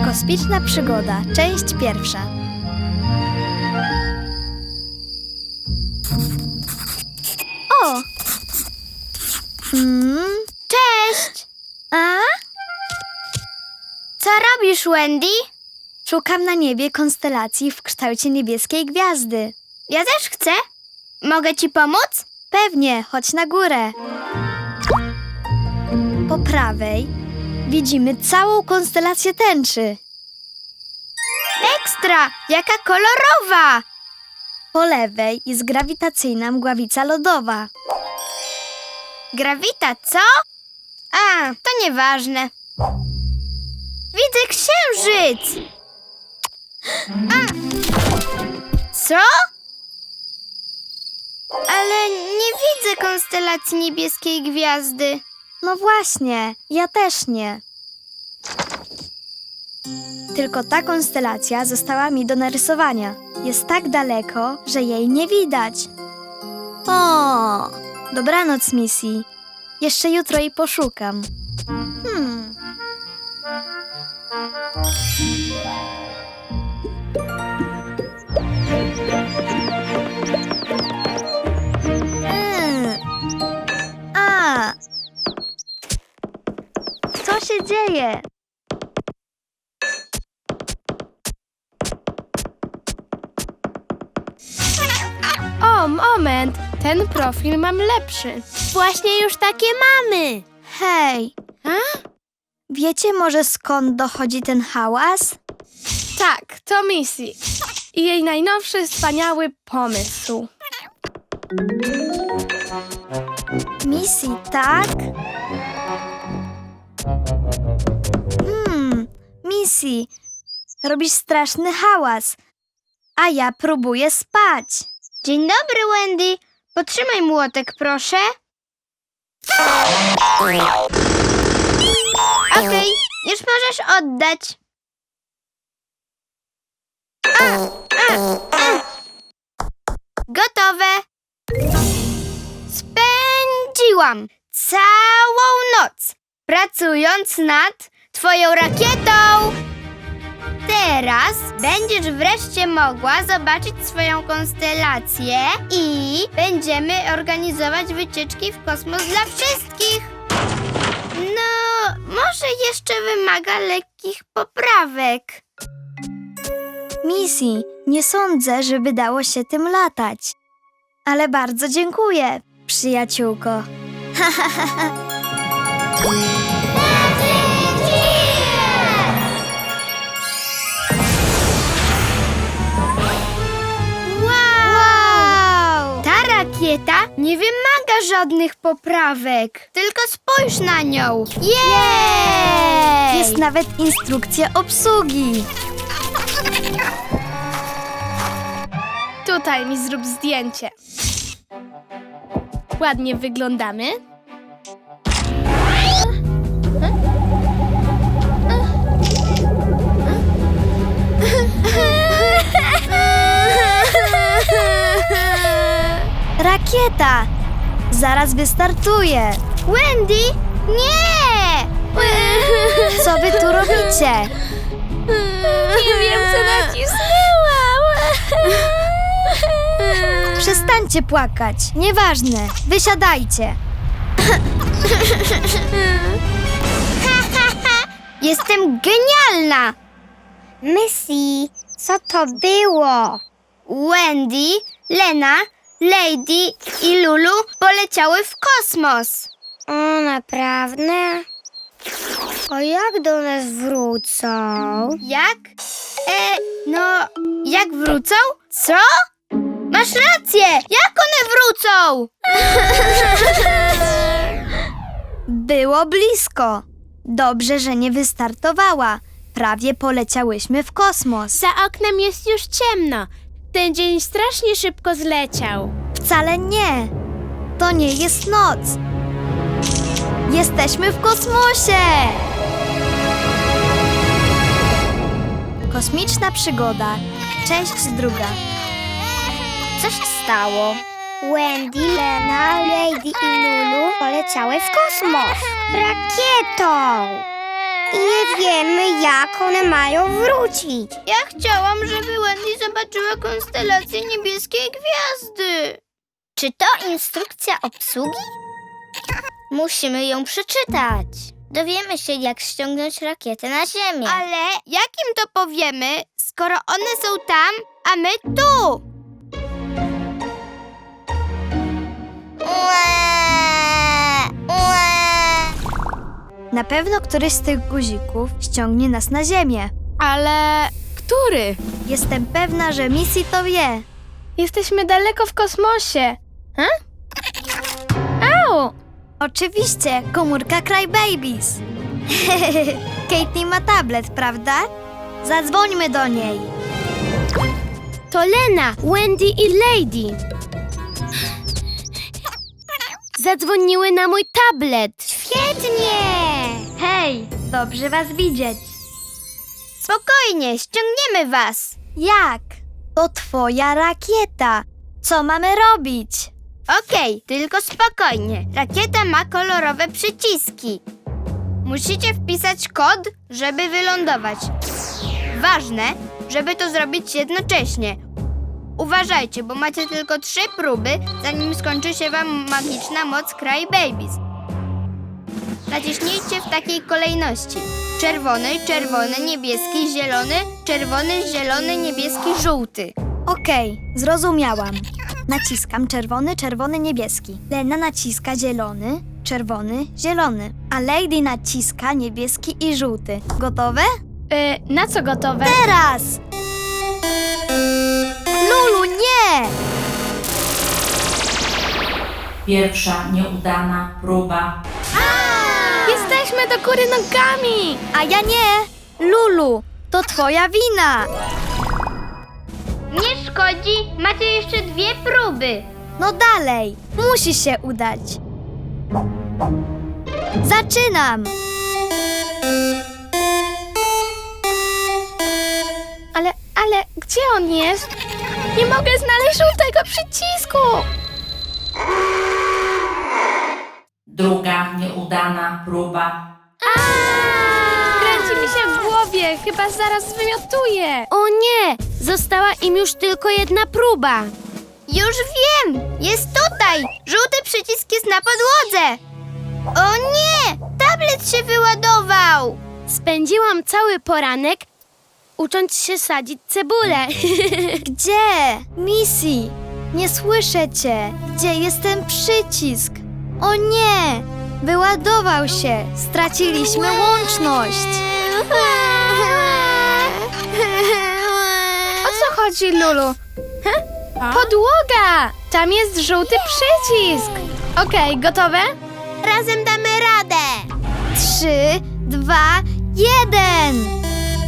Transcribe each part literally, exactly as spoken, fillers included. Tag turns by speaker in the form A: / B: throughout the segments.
A: Kosmiczna przygoda, część pierwsza. O! Mm,
B: Cześć!
A: a?
B: Co robisz, Wendy?
A: Szukam na niebie konstelacji w kształcie niebieskiej gwiazdy.
B: Ja też chcę. Mogę ci pomóc?
A: Pewnie, chodź na górę. Po prawej widzimy całą konstelację tęczy.
B: Ekstra! Jaka kolorowa!
A: Po lewej jest grawitacyjna mgławica lodowa.
B: Grawita, co? A, to nieważne. Widzę księżyc! A. Co? Ale nie widzę konstelacji niebieskiej gwiazdy.
A: No właśnie, ja też nie. Tylko ta konstelacja została mi do narysowania. Jest tak daleko, że jej nie widać. O, dobranoc, Missy. Jeszcze jutro jej poszukam. Hmm. Mm. A. Co się dzieje?
C: O, moment! Ten profil mam lepszy.
B: Właśnie już takie mamy.
A: Hej,
C: A?
A: wiecie może skąd dochodzi ten hałas?
C: Tak, to Missy. I jej najnowszy, wspaniały pomysł.
A: Missy, tak? Hmm, Missy, robisz straszny hałas, a ja próbuję spać.
B: Dzień dobry, Wendy. Potrzymaj młotek, proszę. Okej, już możesz oddać. A, a, a. Gotowe. Spędziłam całą noc pracując nad twoją rakietą. Teraz będziesz wreszcie mogła zobaczyć swoją konstelację i będziemy organizować wycieczki w kosmos dla wszystkich. No, może jeszcze wymaga lekkich poprawek.
A: Missy, nie sądzę, żeby dało się tym latać. Ale bardzo dziękuję, przyjaciółko.
B: Wow! Ta rakieta nie wymaga żadnych poprawek. Tylko spójrz na nią. Jej!
A: Jest nawet instrukcja obsługi.
C: Tutaj mi zrób zdjęcie. Ładnie wyglądamy.
A: Rakieta! Zaraz wystartuje.
B: Wendy, nie!
A: Co wy tu robicie?
C: Nie wiem, co nacisnęłam.
A: Przestańcie płakać. Nieważne. Wysiadajcie.
B: Jestem genialna! Missy, co to było? Wendy, Lena, Lady i Lulu poleciały w kosmos. O, naprawdę? A jak do nas wrócą? Jak? E, no, jak wrócą? Co? Masz rację! Jak one wrócą?
A: Było blisko. Dobrze, że nie wystartowała. Prawie poleciałyśmy w kosmos.
C: Za oknem jest już ciemno. Ten dzień strasznie szybko zleciał.
A: Wcale nie. To nie jest noc. Jesteśmy w kosmosie! Kosmiczna przygoda, część druga.
B: Co się stało? Wendy, Lena, Lady i Lulu poleciały w kosmos rakietą. i nie wiemy, jak one mają wrócić. Ja chciałam, żeby Wendy zobaczyła konstelację niebieskiej gwiazdy. Czy to instrukcja obsługi? Musimy ją przeczytać. Dowiemy się, jak ściągnąć rakietę na Ziemię. Ale jak im to powiemy, skoro one są tam, a my tu?
A: Na pewno któryś z tych guzików ściągnie nas na ziemię.
C: Ale który?
A: Jestem pewna, że Missy to wie.
C: Jesteśmy daleko w kosmosie. Ha? Au!
A: Oczywiście, komórka Crybabies. Katie ma tablet, prawda? Zadzwońmy do niej.
B: To Lena, Wendy i Lady. Zadzwoniły na mój tablet. Świetnie!
A: Hej, dobrze was widzieć.
B: Spokojnie, ściągniemy was.
A: Jak? To twoja rakieta. Co mamy robić?
B: Okej, tylko spokojnie. Rakieta ma kolorowe przyciski. Musicie wpisać kod, żeby wylądować. Ważne, żeby to zrobić jednocześnie. Uważajcie, bo macie tylko trzy próby, zanim skończy się wam magiczna moc Crybabies. Naciśnijcie w takiej kolejności. Czerwony, czerwony, niebieski, zielony, czerwony, zielony, niebieski, żółty.
A: Okej, zrozumiałam. Naciskam czerwony, czerwony, niebieski. Lena naciska zielony, czerwony, zielony. A Lady naciska niebieski i żółty. Gotowe?
C: Y, na co gotowe?
A: Teraz! Lulu, nie!
D: Pierwsza nieudana próba.
C: Jesteśmy do góry nogami!
A: A ja nie! Lulu, to twoja wina!
B: Nie szkodzi, macie jeszcze dwie próby.
A: No dalej, musi się udać. Zaczynam!
C: Ale, ale, gdzie on jest? Nie mogę znaleźć żółtego przycisku!
D: Druga nieudana próba.
C: Kręci mi się w głowie, chyba zaraz zwymiotuję.
B: O nie, została im już tylko jedna próba. Już wiem, jest tutaj. Żółty przycisk jest na podłodze. O nie, tablet się wyładował. Spędziłam cały poranek ucząc się sadzić cebulę.
A: Gdzie? Missy, nie słyszę cię. Gdzie jest ten przycisk? O nie! Wyładował się. Straciliśmy łączność.
C: O co chodzi, Lulu? Ha? Podłoga! Tam jest żółty przycisk. Okej, gotowe?
B: Razem damy radę.
A: Trzy, dwa, jeden!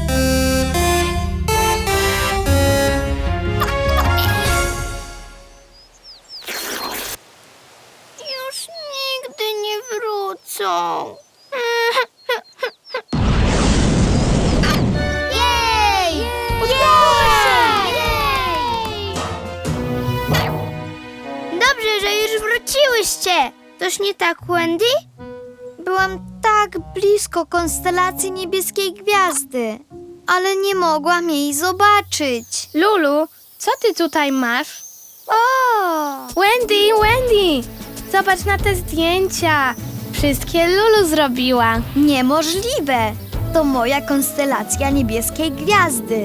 B: Już nigdy nie wrócą. Jej! Udało się! Dobrze, że już wróciłyście. Coś nie tak, Wendy?
A: Byłam tak blisko konstelacji niebieskiej gwiazdy, ale nie mogłam jej zobaczyć.
C: Lulu, co ty tutaj masz?
A: O!
C: Wendy, Wendy! Zobacz na te zdjęcia. Wszystkie Lulu zrobiła.
A: Niemożliwe! To moja konstelacja niebieskiej gwiazdy.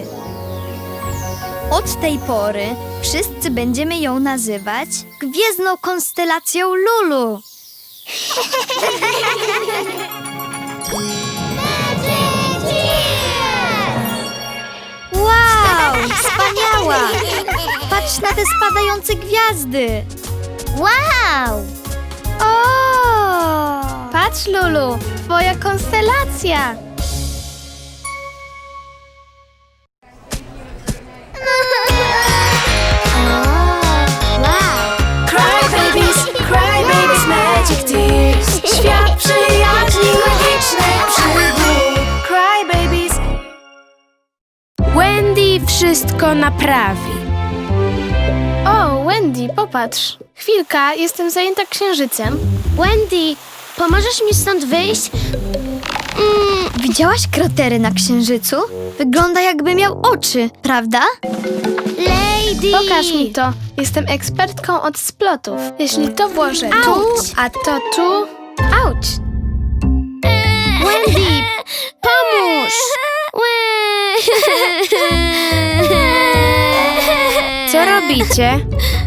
A: Od tej pory wszyscy będziemy ją nazywać Gwiezdną Konstelacją Lulu. Wow! Wspaniała! Patrz na te spadające gwiazdy!
B: Wow!
A: O!
C: Patrz, Lulu, twoja konstelacja.
E: Crybabies, Crybabies Magic Tears. Świat przyjaźni, magicznych przygód. Crybabies.
C: Wendy wszystko naprawi. O, Wendy, popatrz. Chwilka, jestem zajęta księżycem.
B: Wendy, pomożesz mi stąd wyjść? Mm,
A: Widziałaś kratery na Księżycu? Wygląda jakby miał oczy, prawda?
B: Lady!
C: Pokaż mi to. Jestem ekspertką od splotów. Jeśli to włożę tu,
B: Auć.
C: a to tu... Auć!
B: Wendy, pomóż!
E: Co robicie?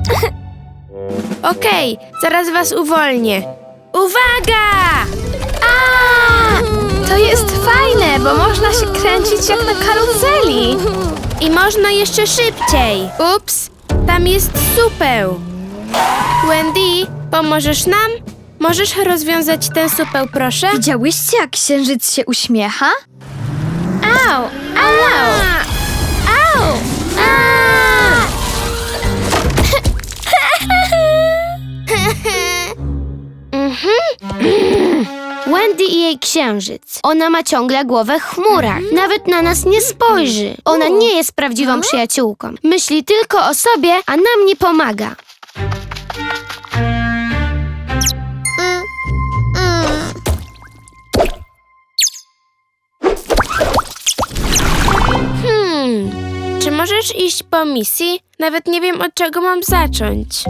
E: Okej, zaraz was uwolnię. Uwaga!
C: To jest fajne, bo można się kręcić jak na karuzeli.
E: I można jeszcze szybciej. Ups, tam jest supeł. Wendy, pomożesz nam? Możesz rozwiązać ten supeł, proszę?
A: Widziałyście, jak Księżyc się uśmiecha?
C: Au! Au!
B: Au! Wendy i jej księżyc. Ona ma ciągle głowę w chmurach. Nawet na nas nie spojrzy. Ona nie jest prawdziwą przyjaciółką. Myśli tylko o sobie, a nam nie pomaga.
E: Hmm, czy możesz iść po misji? Nawet nie wiem, od czego mam zacząć.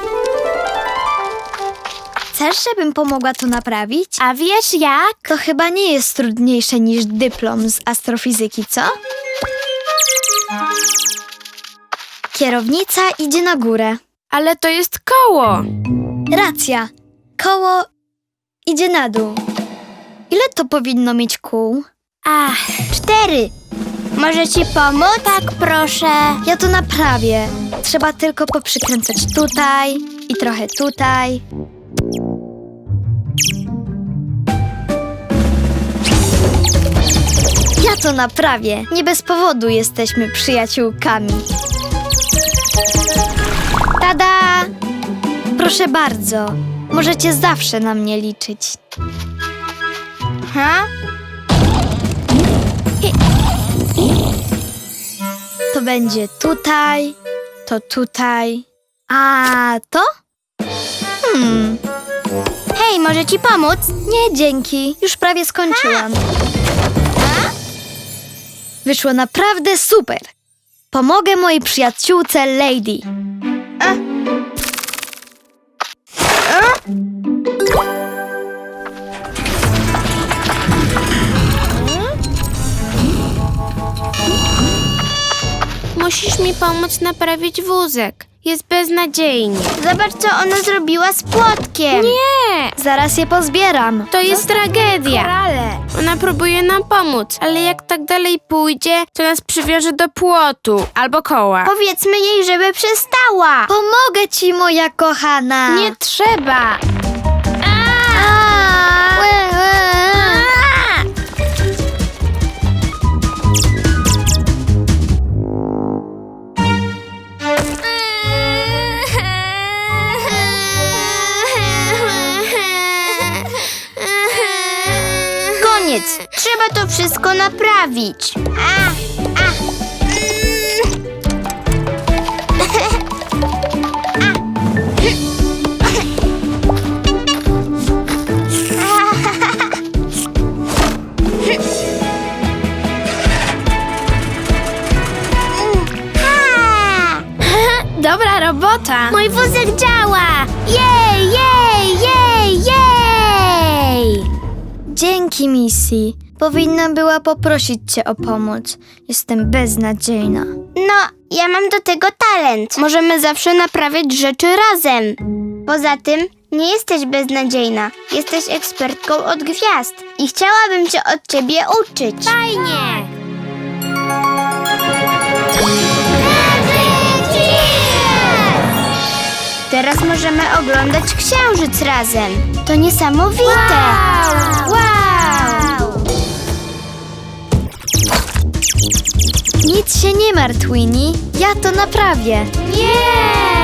A: Chcesz, żebym pomogła to naprawić?
E: A wiesz jak?
A: To chyba nie jest trudniejsze niż dyplom z astrofizyki, co? Kierownica idzie na górę.
E: Ale to jest koło.
A: Racja. Koło idzie na dół. Ile to powinno mieć kół?
B: Ach, cztery. Może ci pomóc? Tak, proszę.
A: Ja to naprawię. Trzeba tylko poprzykręcać tutaj i trochę tutaj. Ja to naprawię. Nie bez powodu jesteśmy przyjaciółkami. Tada! Proszę bardzo. Możecie zawsze na mnie liczyć.
B: Ha?
A: To będzie tutaj, to tutaj. A to? Hmm.
B: Hej, może ci pomóc?
A: Nie, dzięki. Już prawie skończyłam. Wyszło naprawdę super. Pomogę mojej przyjaciółce Lady.
E: Musisz mi pomóc naprawić wózek. Jest beznadziejnie.
B: Zobacz, co ona zrobiła z płotkiem.
E: Nie!
A: Zaraz je pozbieram.
E: To jest tragedia.
A: Ale
E: Ona próbuje nam pomóc, ale jak tak dalej pójdzie, to nas przywiąże do płotu albo koła.
B: Powiedzmy jej, żeby przestała.
A: pomogę ci, moja kochana.
E: Nie trzeba.
B: Koniec. Trzeba to wszystko naprawić. A, a.
C: Dobra robota!
B: Mój wózek działa! Jej, jej, jej, jej!
A: Dzięki, Missy. Powinnam była poprosić cię o pomoc. Jestem beznadziejna.
B: No, ja mam do tego talent. Możemy zawsze naprawiać rzeczy razem. Poza tym, nie jesteś beznadziejna. Jesteś ekspertką od gwiazd. I chciałabym cię od ciebie uczyć. Fajnie! Teraz możemy oglądać księżyc razem. To niesamowite! Wow! Wow!
A: Nic się nie martw, Winnie. Ja to naprawię.
B: Nie!